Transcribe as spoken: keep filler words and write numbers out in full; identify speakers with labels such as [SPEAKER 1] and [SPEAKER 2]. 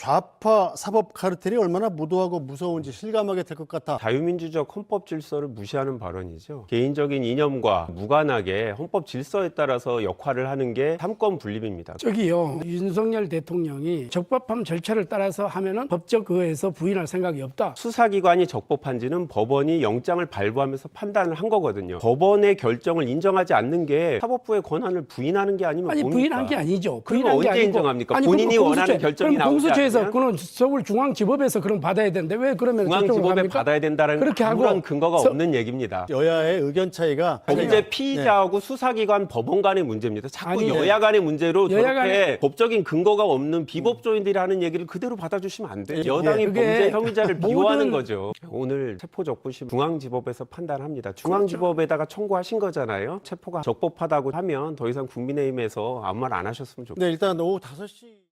[SPEAKER 1] 좌파 사법 카르텔이 얼마나 무도하고 무서운지 실감하게 될 것 같아.
[SPEAKER 2] 자유민주적 헌법 질서를 무시하는 발언이죠. 개인적인 이념과 무관하게 헌법 질서에 따라서 역할을 하는 게 삼권 분립입니다.
[SPEAKER 3] 저기요, 윤석열 대통령이 적법함 절차를 따라서 하면은 법적 그거에서 부인할 생각이 없다.
[SPEAKER 2] 수사기관이 적법한지는 법원이 영장을 발부하면서 판단을 한 거거든요. 법원의 결정을 인정하지 않는 게 사법부의 권한을 부인하는 게 아니면
[SPEAKER 3] 아니
[SPEAKER 2] 뭡니까?
[SPEAKER 3] 부인한 게 아니죠.
[SPEAKER 2] 그건
[SPEAKER 3] 부인한 게
[SPEAKER 2] 언제
[SPEAKER 3] 아니고.
[SPEAKER 2] 인정합니까?
[SPEAKER 3] 아니,
[SPEAKER 2] 본인이
[SPEAKER 3] 그럼
[SPEAKER 2] 원하는
[SPEAKER 3] 공수처-
[SPEAKER 2] 결정이
[SPEAKER 3] 그럼
[SPEAKER 2] 나오지
[SPEAKER 3] 공수처에서
[SPEAKER 2] 않으면?
[SPEAKER 3] 그는 서울중앙지법에서 그럼 받아야 되는데 왜 그러면 저쪽으로
[SPEAKER 2] 중앙지법에
[SPEAKER 3] 갑니까?
[SPEAKER 2] 받아야 된다는
[SPEAKER 3] 그렇게 하고
[SPEAKER 2] 아무런 근거가
[SPEAKER 3] 서-
[SPEAKER 2] 없는 얘기입니다.
[SPEAKER 1] 여야의 의견 차이가
[SPEAKER 2] 범죄 피의자하고 수사기관 법원 간의 문제입니다. 자꾸
[SPEAKER 3] 아니,
[SPEAKER 2] 여야 간의 문제로
[SPEAKER 3] 여야
[SPEAKER 2] 저렇게 법적인 근거가 없는 비법조인들이 하는 얘기를 그대로 받아주시면 안 돼요. 여당이
[SPEAKER 3] 그게
[SPEAKER 2] 범죄 혐의자를
[SPEAKER 3] 모든-
[SPEAKER 2] 비호하는 거죠. 오늘 체포적부심 중앙지법에서 판단합니다. 중앙지법에다가 청구하신 거잖아요. 체포가 적법하다고 하면 더 이상 국민의힘에서 아무 말 안 하셨으면 좋겠어요.
[SPEAKER 1] 네, 일단 오후 다섯 시